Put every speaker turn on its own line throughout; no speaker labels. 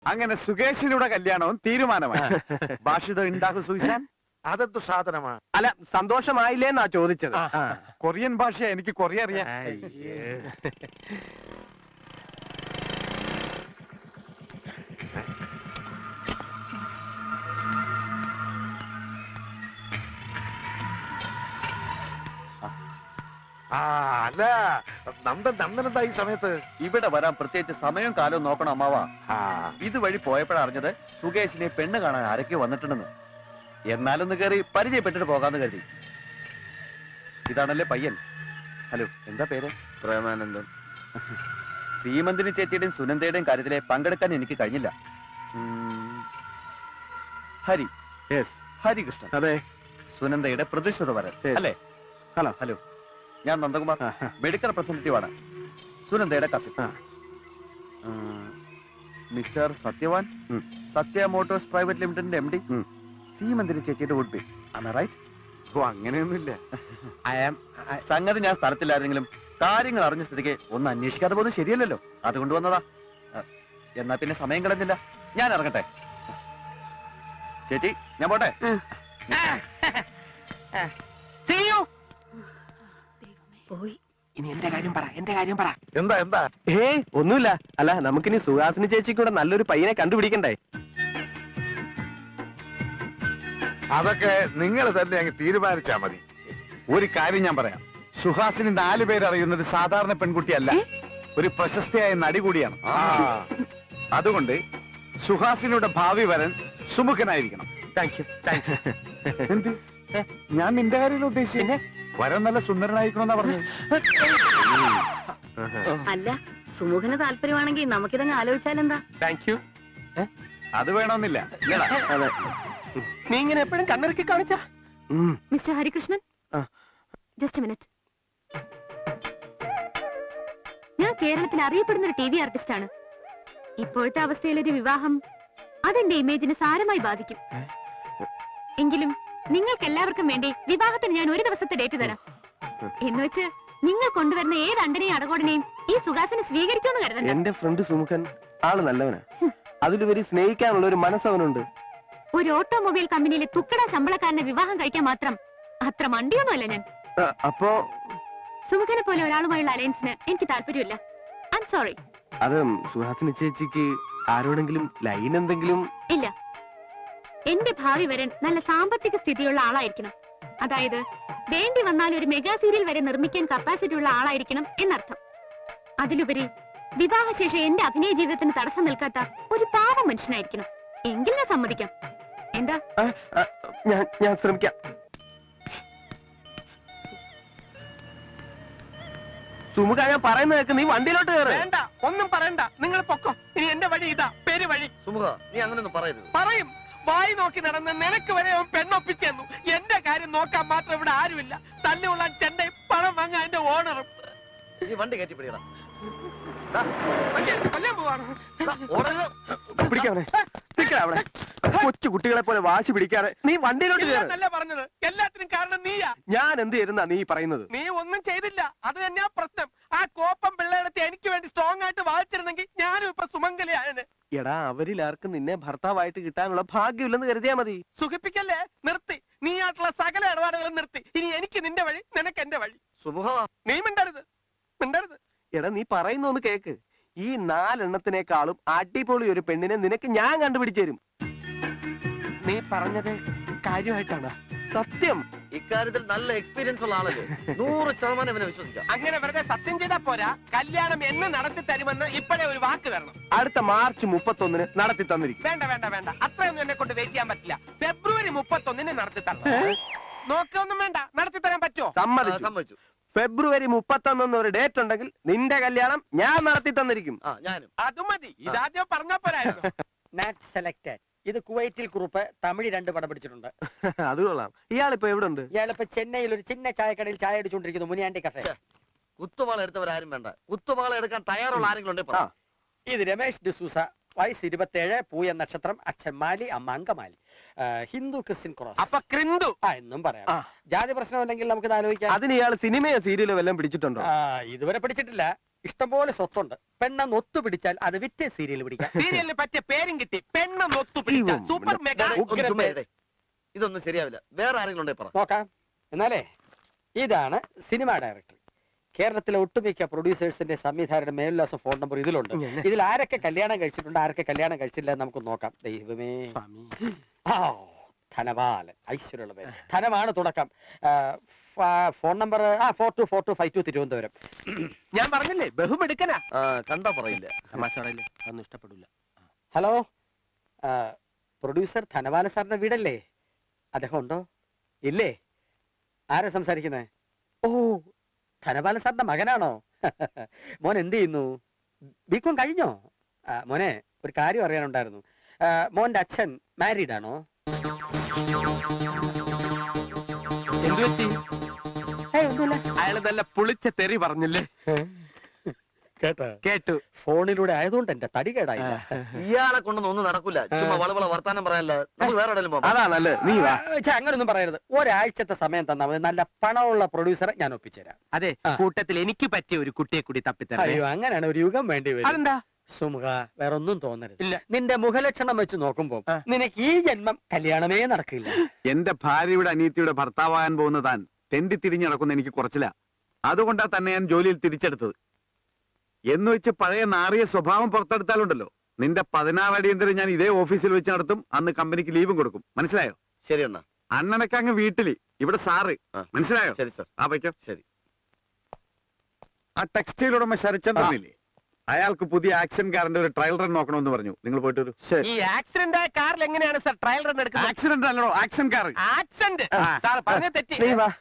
അങ്ങനെ സുകേഷിനൂടെ കല്യാണവും തീരുമാനമായി. ഭാഷിതം ഉണ്ടാക്കും സുയിസാൻ.
അതെന്ത് സാധനമാ?
അല്ല, സന്തോഷമായില്ലേന്നാ ചോദിച്ചത്.
കൊറിയൻ ഭാഷ എനിക്ക് കൊറിയ അറിയാം.
അല്ല, നന്ദനെന്താ ഈ സമയത്ത്
ഇവിടെ വരാൻ പ്രത്യേകിച്ച് സമയവും കാലവും നോക്കണം അമ്മാവ. ഇതുവഴി പോയപ്പോഴറിഞ്ഞത് സുകേഷിനെ പെണ്ണ് കാണാൻ ആരൊക്കെ വന്നിട്ടുണ്ടെന്ന്. എന്നാലൊന്ന് കയറി പരിചയപ്പെട്ടിട്ട് പോകാന്ന് കരുതി. ഇതാണല്ലേ പയ്യൻ. ഹലോ, എന്താ പേര്?
പ്രേമാനന്ദൻ.
സീമന്തിനി ചേച്ചിയുടെയും സുനന്ദയുടെയും കാര്യത്തിലെ പങ്കെടുക്കാൻ എനിക്ക് കഴിഞ്ഞില്ല. ഹരി, ഹരികൃഷ്ണൻ.
അതെ,
സുനന്ദയുടെ പ്രതിഷ്ഠിത വരൻ അല്ലേ?
ഹലോ.
ഹലോ, ഞാൻ നന്ദകുമാർ, മെഡിക്കൽ റെപ്രസെന്റേറ്റീവ് ആണ്. സുനന്ദയുടെ cousin mister Satyavan, Satya motors private ലിമിറ്റഡിന്റെ MD, സീമന്തിനി ചേച്ചിയുടെ വുഡ് ബി. റൈറ്റ്?
ഓ, അങ്ങനെയൊന്നുമില്ല.
സംഗതി ഞാൻ സ്ഥലത്തില്ലായിരുന്നെങ്കിലും കാര്യങ്ങൾ അറിഞ്ഞ സ്ഥിതിക്ക് ഒന്ന് അന്വേഷിക്കാതെ പോകുന്നത് ശരിയല്ലല്ലോ. അതുകൊണ്ട് വന്നതാ. എന്നാ പിന്നെ സമയം കളഞ്ഞില്ല, ഞാൻ ഇറങ്ങട്ടെ. ചേച്ചി, ഞാൻ പോട്ടെ.
പോയി.
ഇനി എന്റെ കാര്യം പറ.
എന്താ?
ഒന്നുമില്ല. അല്ല, നമുക്കിനി സുഹാസിനി ചേച്ചിക്കൂടെ നല്ലൊരു പയ്യനെ കണ്ടുപിടിക്കണ്ടേ?
അതൊക്കെ നിങ്ങൾ തന്നെ അങ്ങ് തീരുമാനിച്ചാ മതി.
ഒരു കാര്യം ഞാൻ പറയാം. സുഹാസിനി 4 പേരറിയുന്ന ഒരു സാധാരണ പെൺകുട്ടിയല്ല, ഒരു പ്രശസ്തയായ നടി കൂടിയാണ്. അതുകൊണ്ട് സുഹാസിനിയുടെ ഭാവി വരൻ സുമുഖനായിരിക്കണം.
Thank you.
എന്ത്? ഞാൻ നിന്റെ കാര്യം ഉദ്ദേശിച്ചേ. വരൻ നല്ല സുന്ദരനായിരിക്കണമെന്നാ പറഞ്ഞത്.
അല്ല, സുമുഖന് താല്പര്യമാണെങ്കിൽ നമുക്കിതങ്ങ് ആലോചിച്ചാലെന്താ?
Thank you.
അത് വേണമെന്നില്ല.
അതെ, നീ ഇങ്ങനെ എപ്പോഴും കണ്ണിറക്കി കാണിച്ച.
Mister Harikrishnan, just minute. ഞാൻ കേരളത്തിൽ അറിയപ്പെടുന്ന ഒരു TV ആർട്ടിസ്റ്റ് ആണ്. ഇപ്പോഴത്തെ അവസ്ഥയിൽ ഒരു വിവാഹം അതെന്റെ ഇമേജിനെ സാരമായി ബാധിക്കും. എങ്കിലും നിങ്ങൾക്ക് എല്ലാവർക്കും വേണ്ടി വിവാഹത്തിന് ഞാൻ ഒരു ദിവസത്തെ ഡേറ്റ് തരാം. എന്ന് വെച്ച് നിങ്ങൾ കൊണ്ടുവരുന്ന ഏത് അണ്ടനെയും അടകോടനെയും ഈ സുഹാസിനെ സ്വീകരിക്കുമെന്ന് കരുതണ്ട.
എന്റെ ഫ്രണ്ട് സുമുഖൻ ആള് നല്ലവനാ. അതിലുപരി സ്നേഹിക്കാനുള്ള ഒരു മനസ്സവനുണ്ട്.
ഒരു ഓട്ടോമൊബൈൽ കമ്പനിയിലെ തുക്കട ശമ്പളക്കാരനെ വിവാഹം കഴിക്കാൻ മാത്രം അത്ര മണ്ടിയൊന്നുമല്ല ഞാൻ.
അപ്പോ
സുമുഖനെ പോലെ ഒരാളുമായുള്ള അലയൻസിന് എനിക്ക് താല്പര്യമില്ല. I'm sorry.
അത് സുഹാസിനി ചേച്ചിക്ക് ആരോടെങ്കിലും ലൈൻ എന്തെങ്കിലും?
ഇല്ല, എന്റെ ഭാവി വരൻ നല്ല സാമ്പത്തിക സ്ഥിതിയുള്ള ആളായിരിക്കണം. അതായത് വേണ്ടി വന്നാൽ ഒരു മെഗാ സീരിയൽ വരെ നിർമ്മിക്കാൻ കപ്പാസിറ്റി ഉള്ള ആളായിരിക്കണം എന്നർത്ഥം. അതിലുപരി വിവാഹശേഷം എന്റെ അഭിനയ ജീവിതത്തിന് തടസ്സം നിൽക്കാത്ത ഒരു പാവ മനുഷ്യനായിരിക്കണം. എങ്കിൽ ഞാൻ സമ്മതിക്കാം. എന്താ?
ഞാൻ ശ്രമിക്കാം. സുമുഖ, ഞാൻ പറയുന്നത് കേൾക്ക്. നീ വണ്ടിയിലോട്ട് കയറി. വേണ്ട, ഒന്നും പറയണ്ട. നിങ്ങൾ പൊക്കോ. ഇനി എന്റെ വഴി ഇതാ, പേര് വഴി.
സുമുഖ, നീ അങ്ങനെയൊന്നും പറയരുത്.
പറയും. വായി നോക്കി നടന്ന് നിനക്ക് വരെ അവൻ പെണ്ണൊപ്പിച്ചെന്നു. എന്റെ കാര്യം നോക്കാൻ മാത്രം ഇവിടെ ആരുമില്ല. തല്ലുള്ള ചെണ്ടയും പണം വാങ്ങാൻ എന്റെ ഓണറും.
ഈ വണ്ടി കയറ്റി പിടിക്കണം.
കൊല്ലാൻ പോവാണ്. പിടിക്കാവനെ. അവിടെ കൊച്ചു കുട്ടികളെ പോലെ വാശി പിടിക്കാതെ നീ വണ്ടിയിലോട്ട് കയറല്ല പറഞ്ഞത്. എല്ലാത്തിനും കാരണം നീയാ. ഞാൻ എന്ത് ചെയ്തെന്നാ നീ പറയുന്നത്? നീ ഒന്നും ചെയ്തില്ല. അത് തന്നെയാ പ്രശ്നം. ആ കോപ്പം പിള്ളേടത്തെ എനിക്ക് വേണ്ടി സ്ട്രോങ് ആയിട്ട് വായിച്ചിരുന്നെങ്കിൽ ഞാനും ഇപ്പൊ സുമംഗലിയാണ്. എടാ, അവരിൽ ആർക്കും നിന്നെ ഭർത്താവായിട്ട് കിട്ടാനുള്ള ഭാഗ്യമില്ലെന്ന് കരുതിയാ മതി. സുഖിപ്പിക്കല്ലേ? നിർത്തി. നീ ആയിട്ടുള്ള സകല ഇടപാടുകളും നിർത്തി. ഇനി എനിക്ക് നിന്റെ വഴി, നിനക്ക് എന്റെ വഴി.
സുമുഖ,
നീ മിണ്ടരുത്. എടാ, നീ പറയുന്ന ഒന്ന് കേക്ക്. ഈ 4 എണ്ണത്തിനേക്കാളും അടിപൊളി ഒരു പെണ്ണിനെ നിനക്ക് ഞാൻ കണ്ടുപിടിച്ചു തരും. നീ പറഞ്ഞത് കാര്യമായിട്ടാണ്? സത്യം.
ഇക്കാര്യത്തിൽ നല്ല എക്സ്പീരിയൻസ് ഉള്ള ആളല്ലേ. 100% ഇവനെ വിശ്വസിക്കാം.
അങ്ങനെ വെറുതെ സത്യം ചെയ്താ പോരാ. കല്യാണം എന്ന് നടത്തി തരുമെന്ന് ഇപ്പോഴേ ഒരു വാക്ക് തരണം. അടുത്ത മാർച്ച് 31 നടത്തി തന്നിരിക്കും. വേണ്ട. അത്രയൊന്നും എന്നെ കൊണ്ട് വെയിറ്റ് ചെയ്യാൻ പറ്റില്ല. ഫെബ്രുവരി 31 നടത്തി തരണം. നോക്കൊന്നും വേണ്ട. നടത്തി തരാൻ പറ്റുമോ? സമ്മതിച്ചു. ഫെബ്രുവരി 31 ഒരു ഡേറ്റ് ഉണ്ടെങ്കിൽ നിന്റെ കല്യാണം ഞാൻ നടത്തി തന്നിരിക്കും.
ഞാനും.
അത് മതി. ഇതാദ്യം പറഞ്ഞാ പോരായിരുന്നു.
Not selected. ഇത് കുവൈറ്റിൽ കുറുപ്പ് തമിഴ് 2 പടം പിടിച്ചിട്ടുണ്ട്.
അത് കൊള്ളാം. ഇയാളിപ്പോ എവിടെ ഉണ്ട്?
ഇയാളിപ്പോ ചെന്നൈയിൽ ഒരു ചിന്ന ചായക്കടയിൽ ചായ അടിച്ചുകൊണ്ടിരിക്കുന്നു. മുനിയാണ്ടി കഫേ.
കുത്തുവാള എടുത്തവരാരും വേണ്ട. കുത്തുവാള എടുക്കാൻ തയ്യാറുള്ള ആരെങ്കിലും ഉണ്ട്?
ഇത് രമേശ് ഡിസൂസ, വയസ്സ് 27, പൂയ നക്ഷത്രം, അച്ഛൻ മാലി, അമ്മ അങ്കമാലി, ഹിന്ദു ക്രിസ്ത്യൻ ക്രോസ്.
അപ്പൊ ക്രിന്ദു
എന്നും പറയാം. ജാതി പ്രശ്നമില്ലെങ്കിൽ നമുക്ക് ആലോചിക്കാം.
അതിന് ഇയാൾ സിനിമയോ സീരിയലോ വല്ലതും പിടിച്ചിട്ടുണ്ടോ?
ഇതുവരെ പിടിച്ചിട്ടില്ല. ഇഷ്ടംപോലെ സ്വത്തുണ്ട്. പെണ്ണെന്ന് ഒത്തുപിടിച്ചാൽ അത് വിറ്റേ സീരിയൽ പിടിക്കാം.
സീരിയലിന് പറ്റിയ പേരും കിട്ടി. പെണ്ണെന്നൊത്തു പിടിച്ച സൂപ്പർ മെഗാ.
ഇതൊന്നും ശരിയാവില്ല. വേറെ ആരെങ്കിലും ഉണ്ടേ പറ.
നോക്കാം. എന്നാലേ ഇതാണ് സിനിമ ഡയറക്ടർ. കേരളത്തിലെ ഒട്ടുമിക്ക പ്രൊഡ്യൂസേഴ്സിന്റെ സംവിധായകരുടെ മേൽവിലാസം ഫോൺ നമ്പർ ഇതിലുണ്ട്. ഇതിൽ ആരൊക്കെ കല്യാണം കഴിച്ചിട്ടുണ്ട്, ആരൊക്കെ കല്യാണം കഴിച്ചില്ല എന്ന് നമുക്ക് നോക്കാം. ദൈവമേ. ധനപാലൻ, ഐശ്വര്യമുള്ള പേര്. ധനമാണ് തുടക്കം. Phone number 424252 Thiruvananthapuram.
ഞാൻ പറഞ്ഞില്ലേ ബഹുമെടുക്കനാ.
കണ്ടാ പറയില്ല.
തമാശകളല്ലേ, അതൊന്നും ഇഷ്ടപ്പെടില്ല.
ഹലോ, പ്രൊഡ്യൂസർ ധനപാലൻ സാറിന്റെ വീടല്ലേ? അദ്ദേഹം ഉണ്ടോ? ഇല്ലേ? ആരാ സംസാരിക്കുന്നേ? ഓ, ധനപാലൻ സാറിന്റെ മകനാണോ? മോൻ എന്ത് ചെയ്യുന്നു? ബികോം കഴിഞ്ഞോ? മോനെ, ഒരു കാര്യം അറിയാനുണ്ടായിരുന്നു. മോന്റെ അച്ഛൻ മാരീഡ് ആണോ?
എന്തു പറ്റി?
ഒന്നുമില്ല.
അയാള് നല്ല പുളിച്ച തെറി പറഞ്ഞില്ലേ? കേട്ടു.
ഫോണിലൂടെ ആയതുകൊണ്ട് എന്റെ തടി കേടായില്ല.
ഇയാളെ കൊണ്ടൊന്നും ഒന്നും നടക്കൂല. ചുമ്മാ വളവള വർത്താനം പറയാനല്ല. നമുക്ക് വേറെ എവിടെയും പോകാം.
അതാ നല്ലത്. നീ വാ.
അങ്ങനൊന്നും പറയരുത്. ഒരാഴ്ചത്തെ സമയം തന്നാൽ മതി. നല്ല പണമുള്ള പ്രൊഡ്യൂസറെ ഞാൻ ഒപ്പിച്ചുതരാം.
അതെ, കൂട്ടത്തിൽ എനിക്ക് പറ്റിയ ഒരു കുട്ടിയെ കൂടി തപ്പിത്തരാം.
അയ്യോ, അങ്ങനെയാണ് ഒരു യുഗം വേണ്ടി വരും.
അതെന്താ?
സുമുഖ, വേറെ ഒന്നും തോന്നരുത്.
ഇല്ല.
നിന്റെ മുഖലക്ഷണം വെച്ച് നോക്കുമ്പോ നിനക്ക് ഈ ജന്മം കല്യാണമേ നടക്കില്ല.
എന്റെ ഭാര്യയുടെ അനിയത്തിയുടെ ഭർത്താവാകാൻ പോകുന്ന താൻ തെണ്ടി തിരിഞ്ഞു നടക്കുന്ന എനിക്ക് കുറച്ചില്ല. അതുകൊണ്ടാ തന്നെ ഞാൻ ജോലിയിൽ തിരിച്ചെടുത്തത്. എന്ന് വെച്ച് പഴയ നാറിയ സ്വഭാവം പുറത്തെടുത്താലുണ്ടല്ലോ, നിന്റെ 16 അടിയന്തരം ഞാൻ ഇതേ ഓഫീസിൽ വെച്ച് നടത്തും. അന്ന് കമ്പനിക്ക് ലീവും കൊടുക്കും. മനസ്സിലായോ?
ശരി അണ്ണാ.
അണ്ണനൊക്കെ അങ്ങ് വീട്ടില്, ഇവിടെ സാറ്. മനസ്സിലായോ?
ശരി സാർ.
വയ്ക്കോ.
ശരി.
ആ ടെക്സ്റ്റൈൽ ഉടമ ശരച്ചന്ദ്രനില്ലേ, അയാൾക്ക് പുതിയ ആക്ഷൻ കാറിന്റെ ഒരു ട്രയൽ റൺ നോക്കണമെന്ന് പറഞ്ഞു. നിങ്ങൾ പോയിട്ട് വരൂ.
ഈ ആക്സിഡന്റ് ആയ കാറിൽ എങ്ങനെയാണ് സാർ ട്രയൽ റൺ എടുക്കുന്നത്?
ആക്സിഡന്റ് അല്ലടോ, ആക്ഷൻ കാർ.
ആക്സിഡന്റ് സാർ പറഞ്ഞ തെറ്റി.
നീ വാ.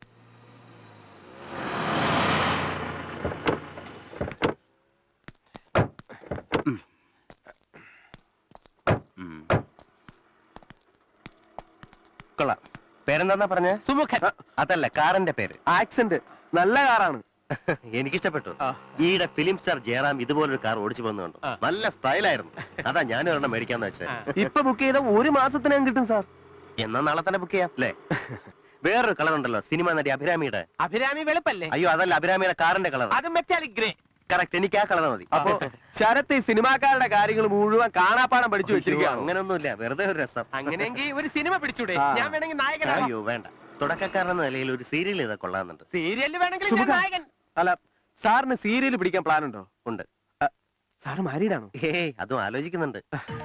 കൊള്ളാം. പേരെന്താ പറഞ്ഞ? സുമുഖൻ.
അതല്ല, കാറിന്റെ പേര്.
ആക്സിഡന്റ് നല്ല കാറാണ്.
എനിക്കിഷ്ടപ്പെട്ടു. ഈയിടെ ഫിലിം സ്റ്റാർ ജയറാം ഇതുപോലൊരു കാർ ഓടിച്ചു പോകുന്നുണ്ടോ? നല്ല സ്റ്റൈലായിരുന്നു. അതാ ഞാനും ഒരെണ്ണം മേടിക്കാന്ന് വെച്ചത്.
ഇപ്പൊ ബുക്ക് ചെയ്ത 1 മാസത്തിനകം കിട്ടും സാർ.
എന്നാ നാളെ തന്നെ ബുക്ക് ചെയ്യാം അല്ലേ? വേറൊരു കളർ ഉണ്ടല്ലോ, സിനിമ നടി അഭിരാമിയുടെ.
അഭിരാമി വെളുപ്പല്ലേ?
അയ്യോ, അതല്ല, അഭിരാമിയുടെ കാറിന്റെ കളർ.
അത് മെറ്റാലിക് ഗ്രേ.
കറക്റ്റ്, എനിക്ക് ആ കളർ മതി.
അപ്പൊ ശരത്ത് ഈ സിനിമാക്കാരുടെ കാര്യങ്ങൾ മുഴുവൻ കാണാപ്പാടം പഠിച്ചു വെച്ചിരിക്കുക.
അങ്ങനൊന്നുമില്ല, വെറുതെ ഒരു രസം.
അങ്ങനെയെങ്കിൽ ഒരു സിനിമ പിടിച്ചൂടെ? ഞാൻ വേണമെങ്കിൽ നായകനാണ്.
അയ്യോ വേണ്ട, തുടക്കക്കാരെന്ന നിലയിൽ ഒരു സീരിയൽ ചെയ്താൽ കൊള്ളാന്നുണ്ട്.
സീരിയലിൽ വേണമെങ്കിൽ ഞാൻ നായകൻ.
അല്ല, സാറിന് സീരിയൽ പിടിക്കാൻ പ്ലാൻ ഉണ്ടോ?
ഉണ്ട്.
സാറ് മാരീഡാണോ?
ഏയ്, അതും ആലോചിക്കുന്നുണ്ട്.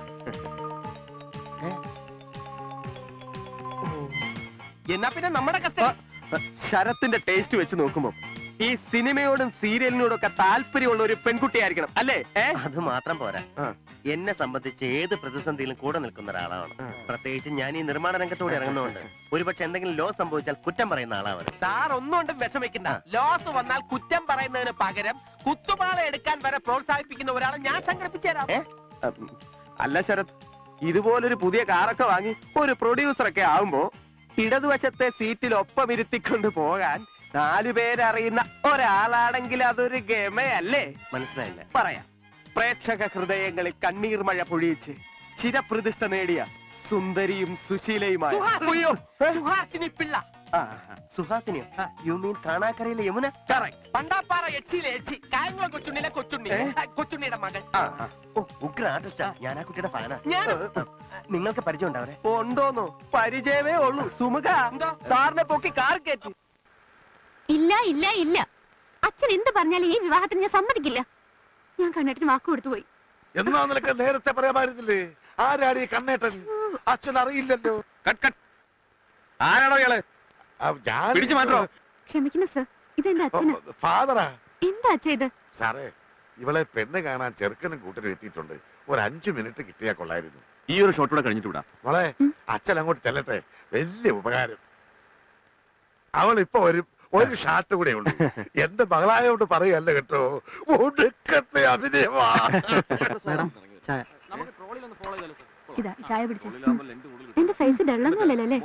എന്നാ പിന്നെ നമ്മുടെ കസ്റ്റഡി.
ശരത്തിന്റെ ടേസ്റ്റ് വെച്ച് നോക്കുമ്പോ ഈ സിനിമയോടും സീരിയലിനോടും ഒക്കെ താല്പര്യമുള്ള ഒരു പെൺകുട്ടിയായിരിക്കണം അല്ലേ?
അത് മാത്രം പോരാ, എന്നെ സംബന്ധിച്ച് ഏത് പ്രതിസന്ധിയിലും കൂടെ നിൽക്കുന്ന ഒരാളാണ്. പ്രത്യേകിച്ച് ഞാൻ ഈ നിർമ്മാണ രംഗത്തോടെ ഇറങ്ങുന്നതുകൊണ്ട് ഒരുപക്ഷെ എന്തെങ്കിലും ലോസ് സംഭവിച്ചാൽ കുറ്റം പറയുന്ന ആളാണ്.
സാർ ഒന്നുകൊണ്ടും വിഷമിക്കണ്ട. ലോസ് വന്നാൽ കുറ്റം പറയുന്നതിന് പകരം കുത്തുപാള എടുക്കാൻ വരെ പ്രോത്സാഹിപ്പിക്കുന്ന ഒരാളെ ഞാൻ സംഘടിപ്പിച്ചു തരാം.
അല്ല ശരത്, ഇതുപോലൊരു പുതിയ കാറൊക്കെ വാങ്ങി ഒരു പ്രൊഡ്യൂസറൊക്കെ ആവുമ്പോ ഇടതുവശത്തെ സീറ്റിൽ ഒപ്പം ഇരുത്തിക്കൊണ്ട് പോകാൻ 4 പേരറിയുന്ന ഒരാളാണെങ്കിൽ അതൊരു ഗമയല്ലേ?
മനസ്സിലായില്ല.
പറയാം. പ്രേക്ഷക ഹൃദയങ്ങളിൽ കണ്ണീർ മഴ പൊഴിയിച്ച് ചിരപ്രതിഷ്ഠ നേടിയ സുന്ദരിയും സുശീലയുമായ
സുഹാസിനി പിള്ള.
സുഹാസിനിയോ? യു മീൻ കാണാക്കരയിലെ യമുന?
പണ്ടാപ്പാറ യക്ഷിയിലെ യക്ഷി, കായംകുളം കൊച്ചുണ്ണിയിലെ കൊച്ചുണ്ണി, കൊച്ചുണ്ണിയുടെ മകൾ.
ഉഗ്ര ആർട്ടിസ്റ്റാ. ഞാൻ ആ കുട്ടിയുടെ ഫാനാ. നിങ്ങൾക്ക് പരിചയം ഉണ്ടാവരെ?
ഉണ്ടോന്നോ? പരിചയമേ ഉള്ളൂ. സുമുഖ, സാറിനെ പൊക്കി കാർ കയറ്റി.
ഇല്ല ഇല്ല ഇല്ല, അച്ഛൻ എന്ത് പറഞ്ഞാലും ഈ വിവാഹത്തിന് ഞാൻ സമ്മതിക്കില്ല. ഞാൻ കണ്ണേട്ടന് വാക്ക് കൊടുത്തു പോയി.
എന്നാ നിനക്ക് നേരത്തെ പറയാമായിരുന്നില്ലേ? ആരാടി കണ്ണേട്ടൻ? അച്ഛൻ അറിയില്ലല്ലോ.
ആരാണോ ഇയാള്? പിടിച്ചു മാറ്റോ?
ക്ഷമിക്കുന്നു സർ, ഇതെന്റെ അച്ഛന്.
ഫാദറാ.
എന്താ അച്ഛ ഇത്?
സാറേ, ഇവളെ പെണ്ണ് കാണാൻ ചെറുക്കനും കൂട്ടരും എത്തിയിട്ടുണ്ട്. ഒരു 5 മിനിറ്റ് കിട്ടിയാ കൊള്ളായിരുന്നു.
ഈ ഒരു ഷോട്ട് കൂടെ കഴിഞ്ഞിട്ട് വിടാം.
മോളെ, അച്ഛൻ അങ്ങോട്ട് ചെല്ലട്ടെ. വലിയ ഉപകാരം. അവൾ ഇപ്പൊ ഒരു ഷാട്ട് കൂടെ ഉണ്ട്. എന്റെ മകളായോണ്ട് പറയല്ല കേട്ടോ, ഒടുക്കത്തെ അഭിനയമാ.
ഇതാ ചായ പിടിച്ച. എന്റെ ഫേസ് ഡള്ളൊന്നുമല്ലല്ലേ?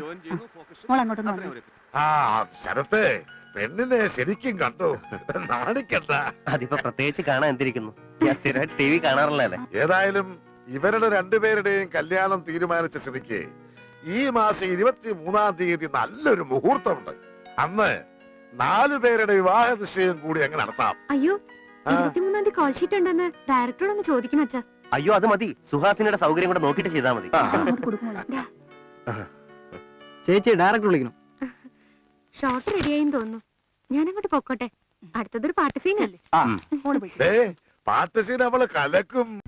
ആ ശരത്തെ, പെണ്ണിനെ ശരിക്കും കണ്ടു. നാണിക്കണ്ട.
അതിപ്പോ പ്രത്യേകിച്ച് കാണാൻ എന്തിരിക്കുന്നു? ഞാൻ സ്ഥിരമായിട്ട് TV കാണാറില്ലല്ലേ.
ഏതായാലും ഇവരുടെ രണ്ടുപേരുടെയും കല്യാണം തീരുമാനിച്ച സ്ഥിതിക്ക് ഈ മാസം 23-ാം തീയതി നല്ലൊരു മുഹൂർത്തമുണ്ട്. അന്ന് 4 പേരുടെ വിവാഹ നിശ്ചയം കൂടി അങ്ങ് നടത്താം.
അയ്യോ, 23-ാം തീയതി കോൾ ഷീറ്റ് ഉണ്ടെന്ന് ഡയറക്ടറോട് ഒന്ന് ചോദിക്കണം അച്ഛാ.
അയ്യോ അത് മതി, സുഹാസിനിയുടെ സൗകര്യം കൂടെ നോക്കിയിട്ട് ചെയ്താൽ മതി.
ദാ,
ചേച്ചി ഡയറക്ടർ വിളിക്കണം.
ഷോട്ട് റെഡിയായിന്ന് തോന്നുന്നു. ഞാനങ്ങോട്ട് പൊക്കോട്ടെ. അടുത്തതൊരു പാട്ട് സീനല്ലേ.
പാട്ട് സീൻ അവള് കലക്കും.